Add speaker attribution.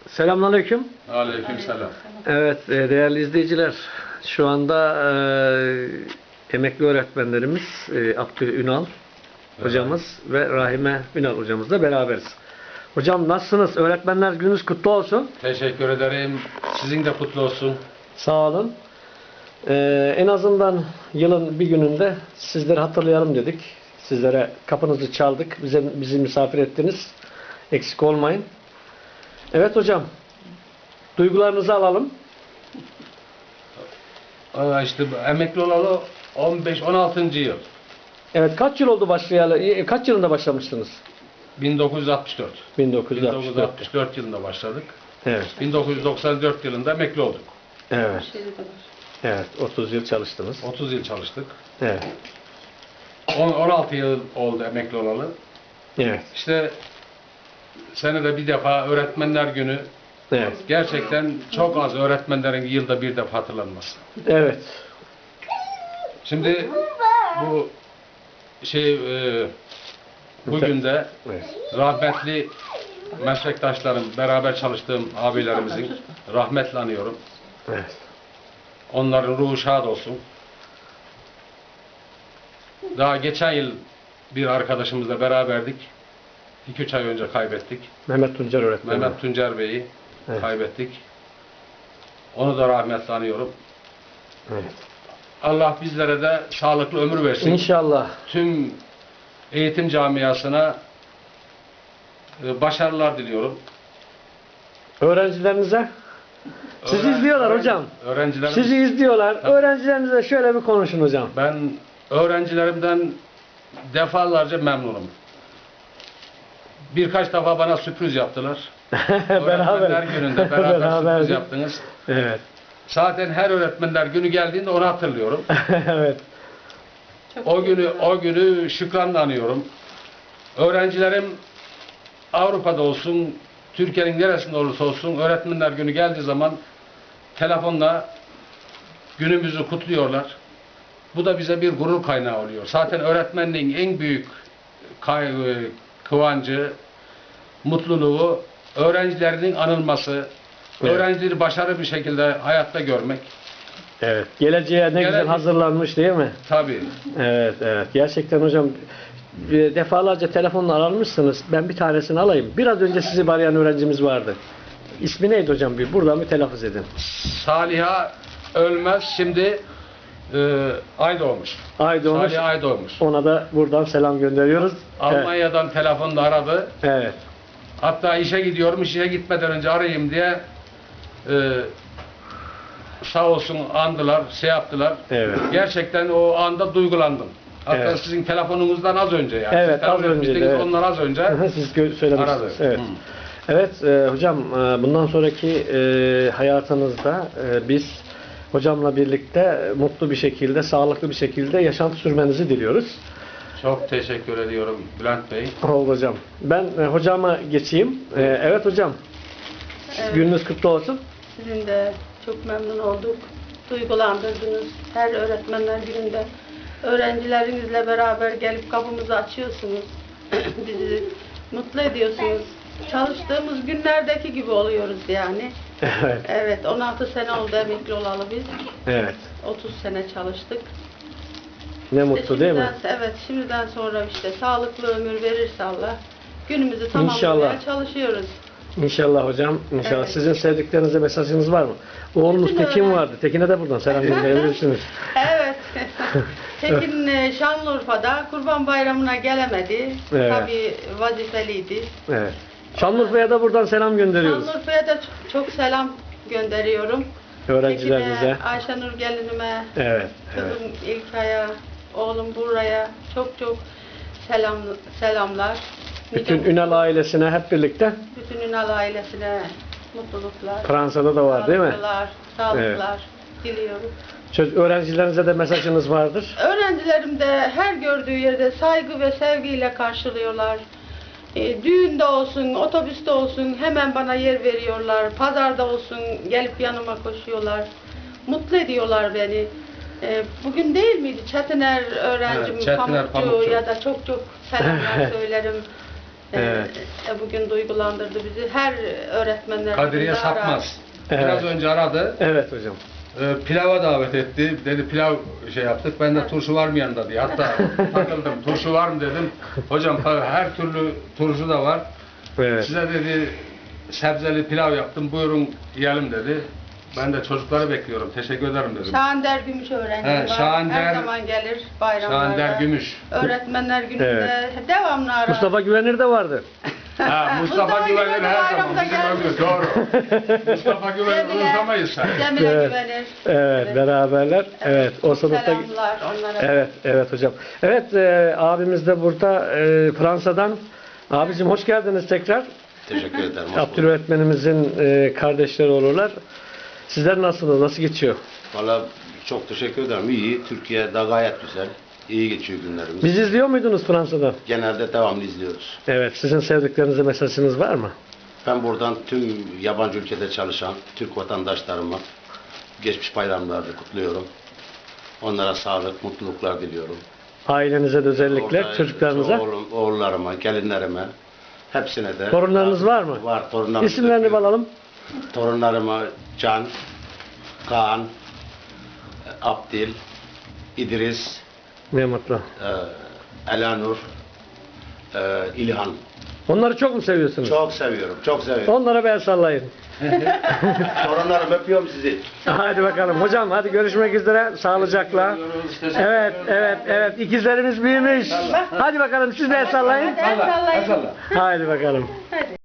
Speaker 1: Selamünaleyküm.
Speaker 2: Aleykümselam.
Speaker 1: Evet, değerli izleyiciler, şu anda emekli öğretmenlerimiz Abdü Ünal hocamız ve Rahime Ünal hocamızla beraberiz. Hocam nasılsınız? Öğretmenler gününüz kutlu olsun.
Speaker 2: Teşekkür ederim. Sizin de kutlu olsun.
Speaker 1: Sağ olun. En azından yılın bir gününde sizleri hatırlayalım dedik. Sizlere kapınızı çaldık. Bizi misafir ettiniz. Eksik olmayın. Evet hocam. Duygularınızı alalım.
Speaker 2: İşte emekli olalı 15-16. yıl.
Speaker 1: Evet, kaç yıl oldu başlayalı? Kaç yılında başlamıştınız?
Speaker 2: 1964.
Speaker 1: 1964.
Speaker 2: 1964 yılında başladık.
Speaker 1: Evet.
Speaker 2: 1994 yılında emekli olduk.
Speaker 1: Evet. Evet, 30 yıl çalıştınız.
Speaker 2: 30 yıl çalıştık.
Speaker 1: Evet.
Speaker 2: 16 yıl oldu emekli olalı.
Speaker 1: Evet.
Speaker 2: İşte senede bir defa öğretmenler günü.
Speaker 1: Evet.
Speaker 2: Gerçekten çok az öğretmenlerin yılda bir defa hatırlanması.
Speaker 1: Evet.
Speaker 2: Şimdi bu bugün de
Speaker 1: Evet.
Speaker 2: rahmetli meslektaşlarım, beraber çalıştığım abilerimizin rahmetle anıyorum.
Speaker 1: Evet.
Speaker 2: Onların ruhu şad olsun. Daha geçen yıl bir arkadaşımızla beraberdik. 2-3 ay önce kaybettik.
Speaker 1: Mehmet Tuncer öğretmen.
Speaker 2: Mehmet Tuncer Bey'i
Speaker 1: Evet.
Speaker 2: kaybettik. Onu da rahmetle anıyorum.
Speaker 1: Evet.
Speaker 2: Allah bizlere de sağlıklı ömür versin.
Speaker 1: İnşallah.
Speaker 2: Tüm eğitim camiasına başarılar diliyorum.
Speaker 1: Öğrencilerinize? Sizi izliyorlar hocam.
Speaker 2: Öğrencilerim,
Speaker 1: Sizi izliyorlar. Öğrencilerinize şöyle bir konuşun hocam.
Speaker 2: ben öğrencilerimden defalarca memnunum. Birkaç defa bana sürpriz yaptılar. Öğretmenler gününde beraber sürpriz yaptınız.
Speaker 1: Evet.
Speaker 2: Zaten her öğretmenler günü geldiğinde onu hatırlıyorum.
Speaker 1: Evet.
Speaker 2: O günü şükranla anıyorum. Öğrencilerim Avrupa'da olsun, Türkiye'nin neresinde olursa olsun öğretmenler günü geldiği zaman telefonla günümüzü kutluyorlar. Bu da bize bir gurur kaynağı oluyor. Zaten öğretmenliğin en büyük kıvancı, mutluluğu öğrencilerinin anılması,
Speaker 1: Evet.
Speaker 2: öğrencileri başarılı bir şekilde hayatta görmek.
Speaker 1: Evet. Geleceğe ne güzel hazırlanmış değil mi?
Speaker 2: Tabii.
Speaker 1: Evet, evet. Gerçekten hocam defalarca telefonla aranmışsınız. Ben bir tanesini alayım. Biraz önce sizi arayan öğrencimiz vardı. İsmi neydi hocam? Buradan bir telaffuz edin.
Speaker 2: Saliha Ölmez şimdi ay doğmuş.
Speaker 1: Ay doğmuş.
Speaker 2: Salih ay doğmuş.
Speaker 1: Ona da buradan selam gönderiyoruz.
Speaker 2: Almanya'dan telefonla aradı.
Speaker 1: Evet.
Speaker 2: Hatta işe gidiyorum, işe gitmeden önce arayayım diye sağ olsun andılar, şey yaptılar.
Speaker 1: Evet.
Speaker 2: Gerçekten o anda duygulandım. Hatta
Speaker 1: Evet.
Speaker 2: sizin telefonunuzdan az önce yani.
Speaker 1: Evet,
Speaker 2: Siz
Speaker 1: az önce. Evet.
Speaker 2: Onlar az önce
Speaker 1: Siz söylemiştiniz.
Speaker 2: aradı.
Speaker 1: Evet. Evet hocam bundan sonraki hayatınızda biz hocamla birlikte mutlu bir şekilde, sağlıklı bir şekilde yaşantı sürmenizi diliyoruz.
Speaker 2: Çok teşekkür ediyorum Bülent Bey.
Speaker 1: Oldu hocam. Ben hocama geçeyim. Evet hocam.
Speaker 3: Evet.
Speaker 1: Gününüz kutlu olsun.
Speaker 3: Sizin de çok memnun olduk. Duygulandırdınız. Her öğretmenler gününde öğrencilerinizle beraber gelip kapımızı açıyorsunuz. Bizi mutlu ediyorsunuz. Çalıştığımız günlerdeki gibi oluyoruz yani.
Speaker 1: Evet.
Speaker 3: Evet, 16 sene oldu emekli olalı biz.
Speaker 1: Evet.
Speaker 3: 30 sene çalıştık.
Speaker 1: Ne mutlu değil mi?
Speaker 3: Evet, şimdiden sonra işte sağlıklı ömür verirse Allah günümüzü tamamlamaya
Speaker 1: İnşallah.
Speaker 3: çalışıyoruz.
Speaker 1: İnşallah hocam. İnşallah.
Speaker 3: Evet.
Speaker 1: Sizin sevdiklerinize mesajınız var mı? Oğlunuz
Speaker 3: Bütün
Speaker 1: Tekin
Speaker 3: öğren-
Speaker 1: vardı. Tekin'e de buradan selam gönderebilirsiniz.
Speaker 3: Evet. Tekin Şanlıurfa'da Kurban Bayramı'na gelemedi.
Speaker 1: Evet.
Speaker 3: Tabii vazifeliydi.
Speaker 1: Evet. Şanlıurfa'ya da buradan selam gönderiyoruz.
Speaker 3: Şanlıurfa'ya da çok selam gönderiyorum.
Speaker 1: Öğrencilerinize.
Speaker 3: Tekin'e, Ayşenur gelinime,
Speaker 1: Evet. Evet.
Speaker 3: kızım İlkay'a, oğlum Buraya çok selamlar.
Speaker 1: Bütün Ünal ailesine hep birlikte.
Speaker 3: Bütün Ünal ailesine mutluluklar.
Speaker 1: Fransa'da da var değil mi?
Speaker 3: Sağlıklar diliyorum.
Speaker 1: Öğrencilerinize de mesajınız vardır.
Speaker 3: Öğrencilerim de her gördüğü yerde saygı ve sevgiyle karşılıyorlar. Düğünde olsun, otobüste olsun hemen bana yer veriyorlar. Pazarda olsun gelip yanıma koşuyorlar. Mutlu ediyorlar beni. Bugün değil miydi? Çetiner öğrencim,
Speaker 2: Evet, Çetiner
Speaker 3: Pamukçu
Speaker 2: Pamukçu.
Speaker 3: ya da çok selamlar söylerim.
Speaker 1: Evet.
Speaker 3: Bugün duygulandırdı bizi. Her öğretmenler
Speaker 2: Kadriye
Speaker 3: bizi arar.
Speaker 2: Sapmaz.
Speaker 1: Evet.
Speaker 2: Biraz önce aradı.
Speaker 1: Evet hocam.
Speaker 2: Pilava davet etti. Dedi pilav şey yaptık. Ben de turşu var mı yanında diye. Hatta takıldım. Turşu var mı dedim. Hocam tabii her türlü turşu da var.
Speaker 1: Evet.
Speaker 2: Size dedi sebzeli pilav yaptım. Buyurun yiyelim dedi. Ben de çocukları bekliyorum. Teşekkür ederim dedim.
Speaker 3: Şahander Gümüş öğrencim
Speaker 2: He,
Speaker 3: var.
Speaker 2: Şahander-
Speaker 3: Her zaman gelir bayramlarda.
Speaker 2: Şahander Gümüş.
Speaker 3: Öğretmenler gününde
Speaker 1: Evet.
Speaker 3: devamlı arar.
Speaker 1: Mustafa Güvenir de vardı.
Speaker 2: Ha, Mustafa
Speaker 3: Mustafa
Speaker 2: Güvenir
Speaker 3: Güvenir
Speaker 2: her zaman
Speaker 3: bayramda
Speaker 2: bizim
Speaker 3: gelmiş.
Speaker 2: ömrü. Doğru. Mustafa Güvenir unutamayız sen.
Speaker 3: Cemile
Speaker 1: Evet.
Speaker 3: Güvenir.
Speaker 1: Evet, beraberler. Evet, o sınıfta.
Speaker 3: Selamlar onlara.
Speaker 1: Evet, evet hocam. Evet, abimiz de burada Fransa'dan. Abicim hoş geldiniz tekrar.
Speaker 4: Teşekkür ederim. hoş bulduk.
Speaker 1: Abdülöğretmenimizin kardeşleri olurlar. Sizler nasılsınız? Nasıl geçiyor?
Speaker 4: Valla çok teşekkür ederim. İyi. Türkiye'de gayet güzel. İyi geçiyor günlerimiz.
Speaker 1: Biz izliyor muydunuz Fransa'da?
Speaker 4: Genelde devamlı izliyoruz.
Speaker 1: Evet, sizin sevdiklerinize mesajınız var mı?
Speaker 4: Ben buradan tüm yabancı ülkede çalışan Türk vatandaşlarıma geçmiş bayramlarını kutluyorum. Onlara sağlık, mutluluklar diliyorum.
Speaker 1: Ailenize de özellikle,
Speaker 4: Orada
Speaker 1: çocuklarınıza.
Speaker 4: oğullarıma, gelinlerime, hepsine de.
Speaker 1: Torunlarınız var mı?
Speaker 4: Var, torunlarım.
Speaker 1: İsimlerini alalım.
Speaker 4: Torunlarıma Can, Kaan, Abdil, İdris,
Speaker 1: Ne mutlu.
Speaker 4: Elanur, İlhan.
Speaker 1: Onları çok mu seviyorsunuz?
Speaker 4: Çok seviyorum, çok seviyorum.
Speaker 1: Onlara bir el sallayın.
Speaker 4: Torunlarım öpüyorum sizi.
Speaker 1: Hadi bakalım. Hocam hadi görüşmek üzere. Sağlıcakla. Evet, evet, evet. İkizlerimiz büyümüş. Hadi bakalım siz de el sallayın.
Speaker 3: Hadi el sallayın.
Speaker 2: Salla.
Speaker 1: Hadi bakalım.
Speaker 3: Hadi.